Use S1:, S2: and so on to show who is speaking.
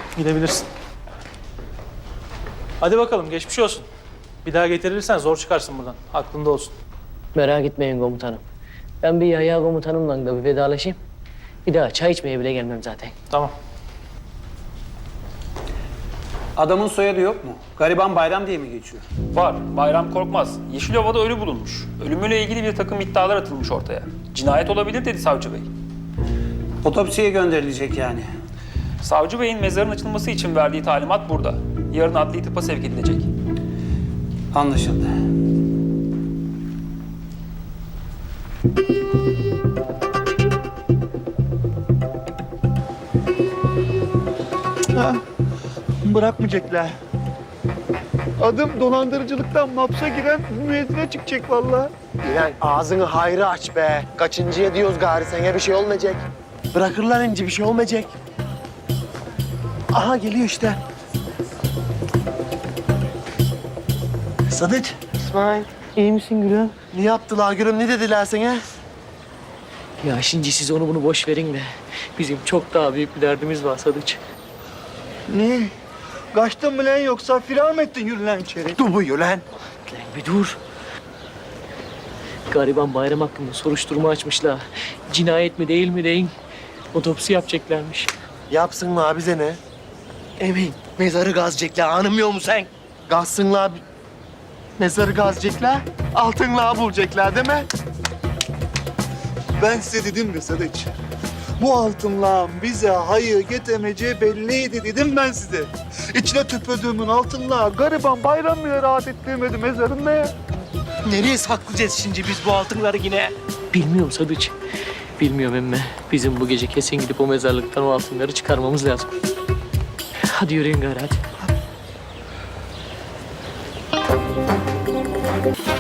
S1: Gidebilirsin. Hadi bakalım, geçmiş olsun. Bir daha getirirsen zor çıkarsın buradan. Aklında olsun.
S2: Merak etmeyin komutanım. Ben bir Yahya komutanımla da bir vedalaşayım. Bir daha çay içmeye bile gelmem zaten.
S1: Tamam.
S3: Adamın soyadı yok mu? Gariban Bayram diye mi geçiyor?
S4: Var. Bayram Korkmaz. Yeşilova'da ölü bulunmuş. Ölümüyle ilgili bir takım iddialar atılmış ortaya. Cinayet olabilir dedi savcı bey.
S3: Otopsiye gönderilecek yani.
S4: Savcı beyin mezarın açılması için verdiği talimat burada. Yarın adli tıpa sevk edilecek.
S3: Anlaşıldı.
S5: Bırakmayacaklar. Adım dolandırıcılıktan hapse giren müezzine çıkacak vallahi.
S6: Lan ağzını hayra aç be. Kaçıncıya diyoruz gari, sana bir şey olmayacak. Bırakırlar ince, bir şey olmayacak. Aha geliyor işte. Sadık,
S2: İsmail, iyi misin gülüm?
S6: ne yaptılar gülüm, ne dediler sana?
S2: Ya şimdi siz onu bunu boş verin de. Bizim çok daha büyük bir derdimiz var Sadıç.
S5: Ne? Kaçtın mı lan yoksa firar mı ettin, yürü lan içeri?
S6: Dur buyur lan.
S2: Lan bir dur. Gariban Bayram hakkında soruşturma açmışlar. Cinayet mi değil mi deyin. Otopsi yapacaklarmış.
S6: Yapsınlar, bize ne? Emin, mezarı gazecekler, anlamıyor musun sen? Gazsınlar, mezarı gazecekler, altınla bulacaklar değil mi?
S5: Ben size dedim de Sadıç. Bu altınlağın bize hayır getirmeyeceği belliydi dedim ben size. İçine tüpödüğümün altınlağı gariban Bayram bile rahat ettirmedi mezarında ya.
S6: Nereye saklayacağız şimdi biz bu altınları yine?
S2: Bilmiyorum Sadıç. Bilmiyorum emme. Bizim bu gece kesin gidip o mezarlıktan o altınları çıkarmamız lazım. Hadi yürüyün gari hadi.